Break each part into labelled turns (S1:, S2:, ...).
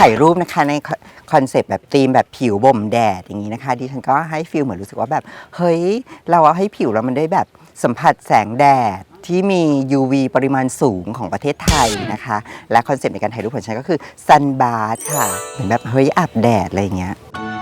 S1: ายรูปนะคะในคอนเซปต์แบบธีมแบบผิวบ่มแดดอย่างนี้นะคะดิฉันก็ให้ฟีลเหมือนรู้สึกว่าแบบเฮ้ยเราเอาให้ผิวเรามันได้แบบสัมผัสแสงแดดที่มี UV ปริมาณสูงของประเทศไทยนะคะและคอนเซปต์ในการถ่ายรูปของฉันก็คือ Sun Bath ค่ะเหมือนแบบเฮ้ยอาบแดดอะไรอย่างเงี้ย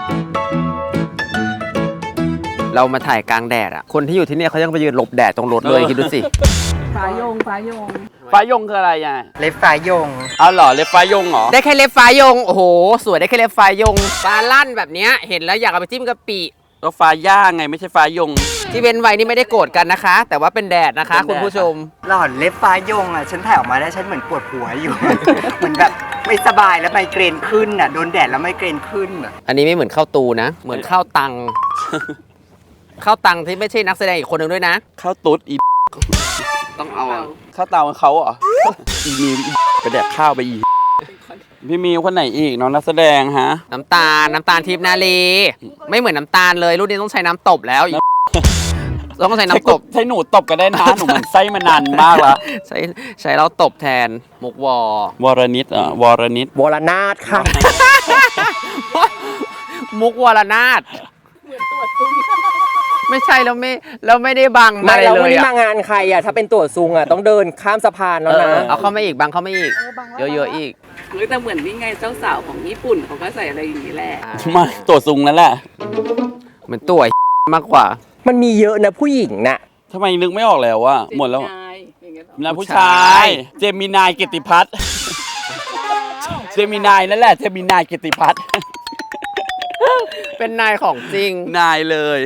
S2: เรามาถ่ายกลางแดดอ่ะคนที่อยู่ที่นี่เขายังไปยืนหลบแดดตรงรถเลยคิดดูสิ
S3: ฟ้ายง
S4: ฟ้ายงคืออะไรอ่ะ
S1: เล็บฟ้ายง
S4: เอาเหรอเล็บฟ้ายงเหรอ
S2: ได้แค่เล็บฟ้ายงโอ้โหสวยได้แค่เล็บฟ้ายงฟ้าลั่นแบบเนี้ยเห็นแล้วอยากเอาไปจิ้มกะปิ
S4: ก็ฟ้าย่างไงไม่ใช่ฟ้ายง
S2: ที่เว้นไว้นี่ไม่ได้โกรธกันนะคะ แต่ว่าเป็นแดดนะคะคุณผู้ชม
S1: หล่อนเล็บฟ้ายงอ่ะฉันถ่ายออกมาได้ฉันเหมือนปวดหัวอยู่ เหมือนแบบไม่สบายแล้วไมเกรนขึ้นอ่ะโดนแดดแล้วไมเกรนขึ้นอ่ะ
S2: อันนี้ไม่เหมือนข้าวตูนะเหมือนข้าวตังข้าวตังที่ไม่ใช่นักแสดงอีกคนหนึ่งด้วยนะ
S4: ข้าวตุ๊ดอี
S2: ต้องเอา
S4: ข้าวเตาเขาเหรออีมิวไปแดกข้าวไปอีพี่มิวคนไหนอีกน้องนักแสดงฮะ
S2: น้ำตาลทิพย์นาลีไม่เหมือนน้ำตาลเลยรุ่นนี้ต้องใช้น้ำตบแล้วต้องใช้น้ำตบ
S4: ใช้หนูตบก็ได้นะหนูเหมือนไส้มานานมากแล้ว
S2: ใช้เราตบแทนมุก
S4: วรนิตวรนิต
S1: วรนาถค่ะ
S2: มุกวรนาถไม่ใช่แล้วไม่ได้บัง
S1: ไม่แล้ววันนี้มางานใครอ่ะถ้าเป็นตั๋วซุงอ่ะต้องเดินข้ามสะพานแล้วนะ
S2: เอาเข้ามาอีกบังเข้ามาอีกเยอะๆอีก
S3: แต่เหมือนนี่ไงเจ้าสาวของญี่ปุ่นเขาก็ใส่อะไรอย่างนี้แหละ
S4: มาตั๋วซุงนั่นแหละ
S2: เหมือนตั๋วมากกว่า
S1: มันมีเยอะนะผู้หญิงน่ะ
S4: ทำไมนึกไม่ออกแล้วว่าหมดแล้วนะผู้ชายเจมินายกิตติพัฒน์เจมินายนั่นแหละเจมินายกิตติพัฒน์
S2: เป็นนายของจริง
S4: นายเลย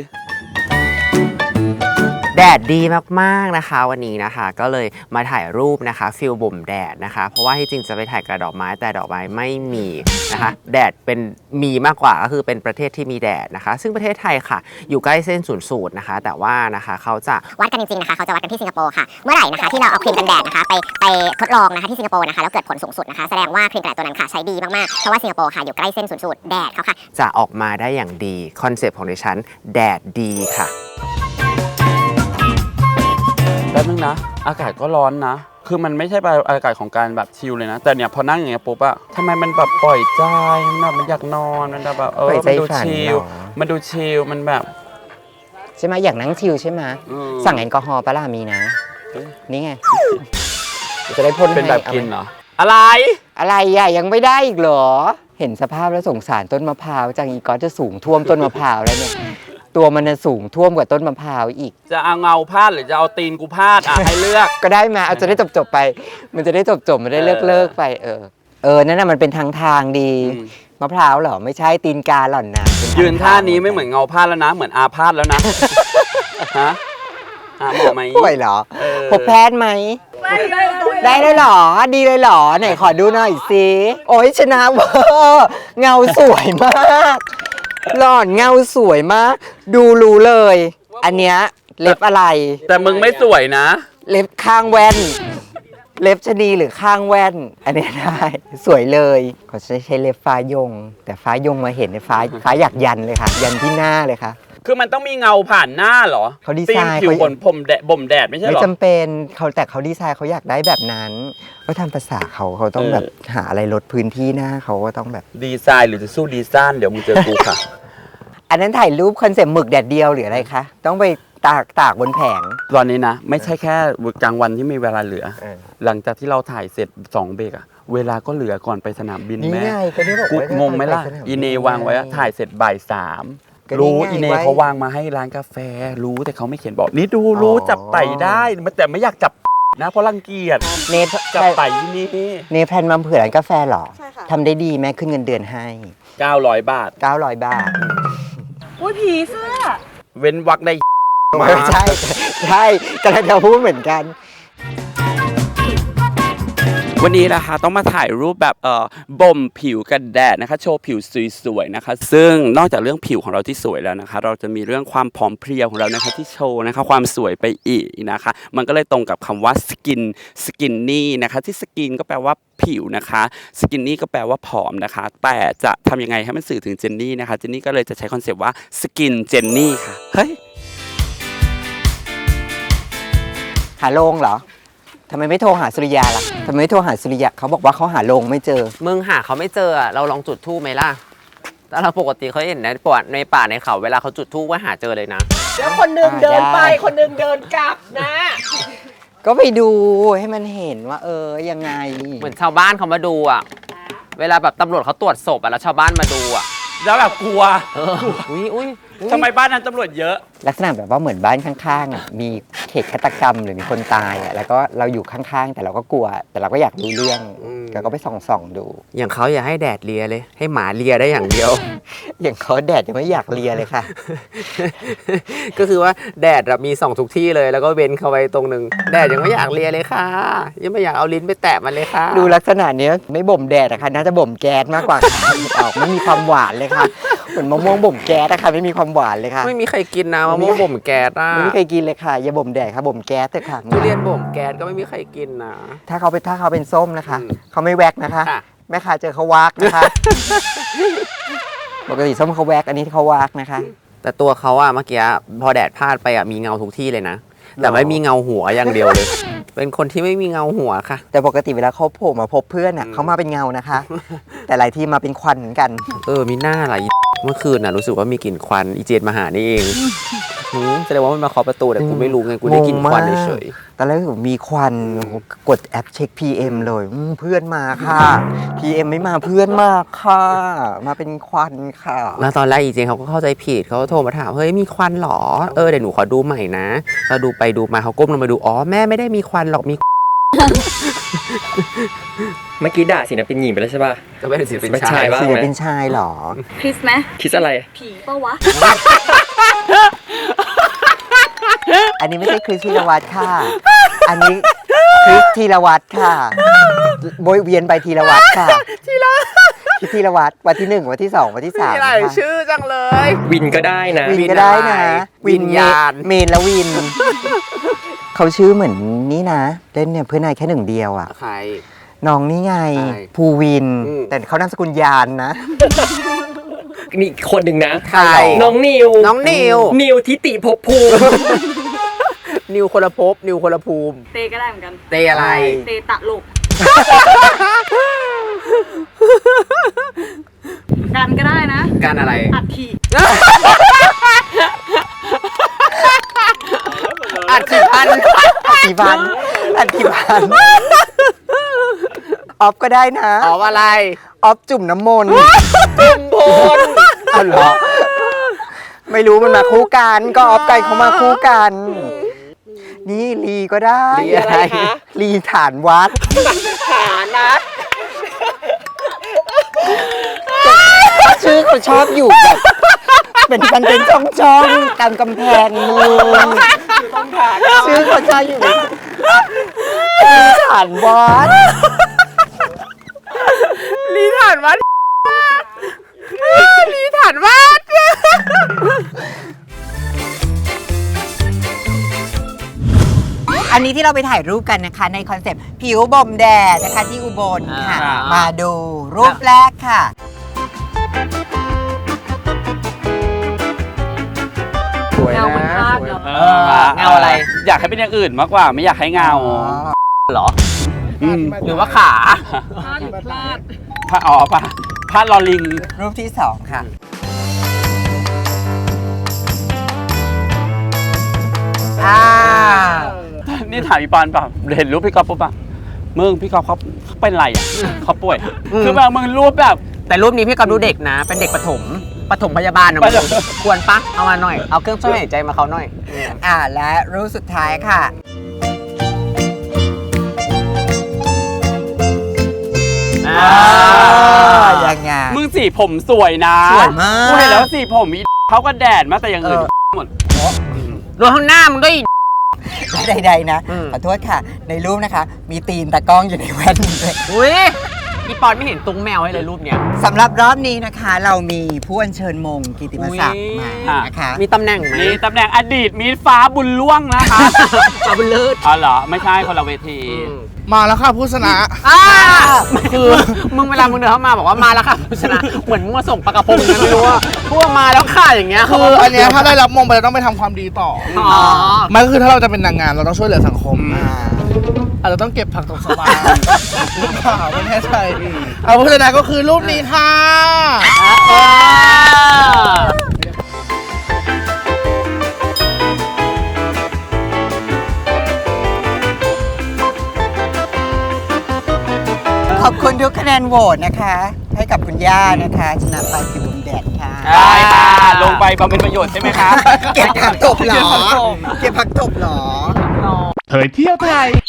S2: แดดดีมากๆนะคะวันนี้นะคะก็เลยมาถ่ายรูปนะคะฟิลบ่มแดดนะคะเพราะว่าที่จริงจะไปถ่ายกับดอกไม้แต่ดอกไม้ไม่มีนะคะแดดเป็นมีมากกว่าก็คือเป็นประเทศที่มีแดดนะคะซึ่งประเทศไทยค่ะอยู่ใกล้เส้นศูนย์สูตรนะคะแต่ว่านะคะเขาจะ
S5: วัดกันจริงๆนะคะเขาจะวัดกันที่สิงคโปร์ค่ะเมื่อไหร่นะคะที่เราเอาครีมกันแดดนะคะไปทดลองนะคะที่สิงคโปร์นะคะแล้วเกิดผลสูงสุดนะคะแสดงว่าครีมกันแดดตัวนั้นค่ะใช้ดีมากๆเพราะว่าสิงคโปร์ค่ะอยู่ใกล้เส้นศูนย์สูตรแดดเขาค่ะ
S2: จะออกมาได้อย่างดีคอนเซปต์ของดิฉันแดดดีค่ะ
S4: แป๊บนึงนะอากาศก็ร้อนนะคือมันไม่ใช่แบบอากาศของการแบบชิลเลยนะแต่เนี่ยพอนั่งอย่างเงี้ยปุ๊บอะทำไมมันแบบปล่อยใจมันอยากนอนมันแบบมันดูชิลมันแบบ
S1: ใช่ไหมอยากนั่งชิลใช่ไหมสั่งแอลกอฮอล์ปะล่ะมีนะนี่ไงจะได้พ่น
S4: เป็นแบบกินเหรออะไร
S1: อะยังไม่ได้อีกเหรอเห็นสภาพแล้วสงสารต้นมะพร้าวจังอีกอจะสูงท่วมต้นมะพร้าวแล้วเนี่ยตัวมันสูงท่วมกว่าต้นมะพร้าวอีก
S4: จะเอาเงาพาดหรือจะเอาตีนกูพาดให้เลือก
S1: ก็ได้มาเอาจะได้จบไปมันจะได้จบมันได้เลิกไปนั่นน่ะมันเป็นทางดีมะพร้าวเหรอไม่ใช่ตีนกาหล่อนนะ
S4: ยืนท่านี้ไม่เหมือนเงาพาดแล้วนะเหมือนอาพาดแล้วนะฮะหมอไหม
S1: ป่วยเหรอพบแพทย์ไหมได้เลยเหรอดีเลยเหรอไหนขอดูหน่อยสิโอ้ยชนะเวอร์เงาสวยมากหล่อนเงาสวยมากดูรู้เลยอันเนี้ยเล็บอะไร
S4: แต่มึงไม่สวยนะ
S1: เล็บข้างแว่นเล็บชนีหรือข้างแว่นอันนี้ได้สวยเลยเขาใช้เล็บฟ้ายงแต่ฟ้ายงมาเห็นในฟ้าอยากยันเลยค่ะยันที่หน้าเลยค่ะ
S4: คือมันต้องมีเงาผ่านหน้าเหรอ
S1: เขาดีไซน์
S4: ผิวบ่มแดดไม่ใช่หรอ
S1: ไม่จำเป็นแต่เขาดีไซน์เขาอยากได้แบบนั้นก็ทำภาษาเขาต้องแบบหาอะไรลดพื้นที่หน้าเขาก็ต้องแบบ
S4: ดีไซน์หรือจะสู้ดีไซน์เดี๋ยวมึงเจอกูค่ะ
S1: อันนั้นถ่ายรูปคอนเซ็ปต์หมึกแดดเดียวหรืออะไรคะต้องไปตากบนแผง
S4: ตอนนี้นะไม่ใช่แค่กลางวันที่มีเวลาเหลือหลังจากที่เราถ่ายเสร็จ2 เบรกอะเวลาก็เหลือก่อนไปสนามบินแม่กูงงไหมล่ะอีเนวางไว้ถ่ายเสร็จบ่าย 3รู้อีเนเขาวางมาให้ร้านกาแฟรู้แต่เขาไม่เขียนบอกนี่ดูรู้จับไต่ได้แต่ไม่อยากจับนะเพราะรังเกียจ
S1: เน
S4: จับไต่ที่นี่
S1: เนแพลนมาเผื่อร้านกาแฟหรอทำได้ดีแม่ขึ้นเงินเดือนให้
S4: 900 บาท
S3: อุ้ยผีเสื้อ
S4: เว้นวรรคได้
S1: มาใช่กำลังจะพูดเหมือนกัน
S4: วันนี้นะคะต้องมาถ่ายรูปแบบบ่มผิวกันแดดนะคะโชว์ผิวสวยๆนะคะซึ่งนอกจากเรื่องผิวของเราที่สวยแล้วนะคะเราจะมีเรื่องความผอมเพรียวของเรานะคะที่โชว์นะคะความสวยไปอีกนะคะมันก็เลยตรงกับคำว่าสกินนี่นะคะที่สกินก็แปลว่าผิวนะคะสกินนี่ก็แปลว่าผอมนะคะแต่จะทำยังไงให้มันสื่อถึงเจนนี่นะคะเจนนี่ก็เลยจะใช้คอนเซปต์ว่าสกินเจนนี่ค่ะเฮ้ย
S1: หาโรงเหรอทำไมไม่โทรหาสุริยาล่ะทำไมไม่โทรหาสุริยาเขาบอกว่าเขาหาโรงไม่เจอ
S2: มึงหาเขาไม่เจออะเราลองจุดธูปไหมล่ะแต่เราปกติเขาเห็นในป่าในเขาเวลาเขาจุดธูปว่าหาเจอเลยนะ
S6: แล้วคนหนึงเดินไป
S1: ได้
S6: คนหนึงเดินกลับนะ
S1: ก็ไปดูให้มันเห็นว่ายังไง
S2: เหมือนชาวบ้านเขามาดูอ่ะ เวลาแบบตำรวจเขาตรวจศพอ่ะแล้วชาวบ้านมาดูอ่ะ
S4: แล้วแบบกลัว
S2: อุ้ย
S4: ทำไมบ้านนั้นตำรวจเยอะ
S1: ลักษณะแบบว่าเหมือนบ้านข้างๆอ่ะมีเหตุฆาตกรรมหรือมีคนตายอ่ะแล้วก็เราอยู่ข้างๆ แต่เราก็กลัว แต่เราก็อยากรู้เรื่องเราก็ไปส่องดู
S2: อย่างเขาอย่าให้แดดเลียเลย ให้หมาเลียได้อย่างเดียว
S1: อย่างเขาแดดยังไม่อยากเลียเลยค่ะ
S2: ก็คือว่าแดดมีส่องทุกที่เลยแล้วก็เว้นเขาไว้ตรงหนึ่งแดดยังไม่อยากเลียเลยค่ะ ยังไม่อยากเอาลิ้นไปแตะมันเลยค่ะ
S1: ดูลักษณะเนี้ยไม่บ่มแดดอะค่ะน่าจะบ่มแก๊สมากกว่าค่ะออกไม่มีความหวานเลยค่ะเหมือนมะม่วงบ่มแก๊สอะค่ะไม่มีความหวานเลยค่ะ
S2: ไม่มีใครกินนะมะม่วงบ่มแก๊สอ่ะ
S1: ไม่เคยกินเลยค่ะอย่าบ่มแดดค่ะบ่มแก๊สเถอะค่ะ
S2: ทุเรียนบ่มแก๊สก็ไม่มีใครกินนะ
S1: ถ้าเขาเป็นส้มนะคะ
S2: อืม
S1: เขาไม่แวกนะคะ
S2: ค่ะ
S1: แม่ค้าเจอเขาวากนะคะ ปกติส้มเขาแวกอันนี้เขาวากนะคะ
S2: แต่ตัวเขาอะเมื่อกี้พอแดดพาดไปอะมีเงาทุกที่เลยนะ แต่ไม่มีเงาหัวอย่างเดียวเลย เป็นคนที่ไม่มีเงาหัวค่ะ
S1: แต่ปกติเวลาเขาโผล่มาพบเพื่อนอ่ะเขามาเป็นเงานะคะ แต่หลายทีมาเป็นควันเหมือนกัน
S2: มีหน้าอะไรเมื่อคืนน่ะรู้สึกว่ามีกลิ่นควันอีเจนมาหานี่เองแสดงว่ามันมาเคาะประตูแต่กูไม่รู้ไงกูได้กลิ่นควันเฉย
S1: ตอนแรกมีควันโอ้โหกดแอปเช็ค PM เลยเพื่อนมาค่ะ PM ไม่มาเพื่อนมาค่ะ มาเป็นควันค่ะ
S2: ๆแล้วตอนแรกอีเจนเขาก็เข้าใจผิดเขาก็โทรมาถามเฮ้ยมีควันเหรอเดี๋ยวหนูขอดูใหม่นะเราดูไปดูมาเขาก้มลงมาดูอ๋อแม่ไม่ได้มีควันหรอกมี
S7: เมื่อกี้ด่าศิลปินหญิงไปแล้วใช่ป่ะ
S2: ก็เป็นศิลปิน
S7: เป็น
S2: ชา
S7: ชาย ยบ้าง
S1: ศิลปินชายเหรอ
S3: คริสไหม
S7: คิดอะไร
S3: ผีปะวะ
S1: อันนี้ไม่ใช่คริสธีรวัตรค่ะ อันนี้คริสธีรวัตรค่ะโบยเวียนไปธีรวัตรค่ะคริสธีรวัตรวันที่ 1 วันที่ 2 วันที่ 3
S2: มีหลายชื่อจังเลย
S7: วินก็ได้นะ
S1: วินก็ได้นะ
S2: วิญญาณ
S1: เมนและวิน เขาชื่อเหมือนนี่นะเล่นเนี่ยเพื่อนนายแค่หนึ่งเดียวอ่ะ
S2: ใคร
S1: น้องนี่ไง
S2: ใช่
S1: ภูวิน
S2: อืม
S1: แต่เขานามสกุลยานนะ
S7: นี่อีกคนหนึ่งนะ
S2: ใคร
S7: น้องนิว
S2: น้องนิว
S7: นิวทิติภพภูมิ
S2: นิวคนละภพนิวคนละภูมิ
S3: เตก็ได้เหมือนกัน
S2: เตอะไร
S3: เตตะโลก กันก็ได้นะ
S2: การอะไร
S3: อัฐิ
S2: อัดสิพัน
S1: กี่พันอันกี่พันออฟก็ได้นะ
S2: อ๋ออะไร
S1: ออฟจุ่มน้ำมนต์
S2: พล
S1: อ๋อเหรอไม่รู้มันมาคู่กันก็ออฟไก่เขามาคู่กัน นี่ลีก็ได้
S2: ลีอะไรคะ
S1: ลีฐานวัด
S6: ฐานนะ
S1: ชื่อเขาชอบอยู่แบบเป็นมันเป็นช่องๆตามกำแพงเมืองชื่อเขาชอบอยู่แบบลีฐานวัด
S2: ลีฐานวัดลีฐานวัด
S1: อันนี้ที่เราไปถ่ายรูปกันนะคะในคอนเซปต์ผิวบ่มแดดนะคะที่อุบลค่ะ มาดูรูปแรกค่ะ
S2: สวย
S3: เงา
S2: นะ
S3: มันพลาดเนาะ
S2: เงาอะไร
S4: อยากให้เป็นอย่างอื่นมากกว่าไม่อยากให้เงา
S2: เหรอ
S4: ม
S2: หรือว่าขา
S3: พลาดหรือพลาด
S4: ผ้าอ๋อผ้าลอลิง
S1: รูปที่ 2 ค่ะ
S4: นี่ถามอีปอนเปล่าเห็นรูปพี่ก๊อฟปุ๊บป่ะมึงพี่ก๊อฟเขาเป็นไรอ่ะเขาป่วยคือแบบมึงรูปแบบ
S2: แต่รูปนี้พี่กำดูเด็กนะ เป็นเด็กปฐมพยาบาลนะมึงควรปะเอามาหน่อย เอาเครื่องช่วยหายใจมาเขาหน่อย
S1: และรูปสุดท้ายค่ะ ยังไง
S4: มึงสีผมสวยนะ
S1: สวยมาก
S4: กูเห็นแล้วสีผมมีเขาก็แดดมาแต่อย่างอื่นหมด
S2: รวมข้างหน้ามันก็อีก
S1: ใดๆนะ ขอโทษค่ะ ในรูปนะคะ มีตีนตากล้องอยู่ในแว่นด้วย
S2: อุ้ยพี่ปอนไม่เห็นตุ้งแมวให้เลยรูปเนี้ย
S1: สำหรับรอบนี้นะคะ เรามีผู้อัญเชิญมงกิตติมศักดิ์มานะคะ
S2: มีตำแหน่งไหม
S4: นี่ตำแหน่งอดีตมีฟ้าบุญล่วงนะคะ
S2: เอาไปเลิศ
S4: อ๋อเหรอไม่ใช่คนละเวที
S8: มาแล้วค่ะผู้ชนะ
S2: คือมึงเวลามึงเดินเข้ามาบอกว่ามาแล้วค่ะผู้ชนะเหมือนมึงมาส่งปลากระพงนะไม่รู้ว่าพวกมาแล้วค่ะอย่างเงี้ย
S8: คืออันเนี้ยถ้าได้รับมงไปเราต้องไปทำความดีต่อ
S2: อ๋อ
S8: มันก็คือถ้าเราจะเป็นนางงามเราต้องช่วยเหลือสังคม
S2: เ
S8: อาจจะต้องเก็บผักตบชวาหรือเปล่าไม่แน่ใจเอาผู้ชนะก็คือรูปนี้ค่ะ
S1: ขอบคุณทุกคะแนนโหวตนะคะ ให้กับคุณย่านะคะชนะไปผิวบมแดดค่ะ
S4: ได้ค่ะ ลงไปบำเพ็ญประโยชน์ใช่ไหมครับ
S1: เก็บผักตบเหรอ เก็บผักตบเหรอ
S9: เผยเที่ยวไทย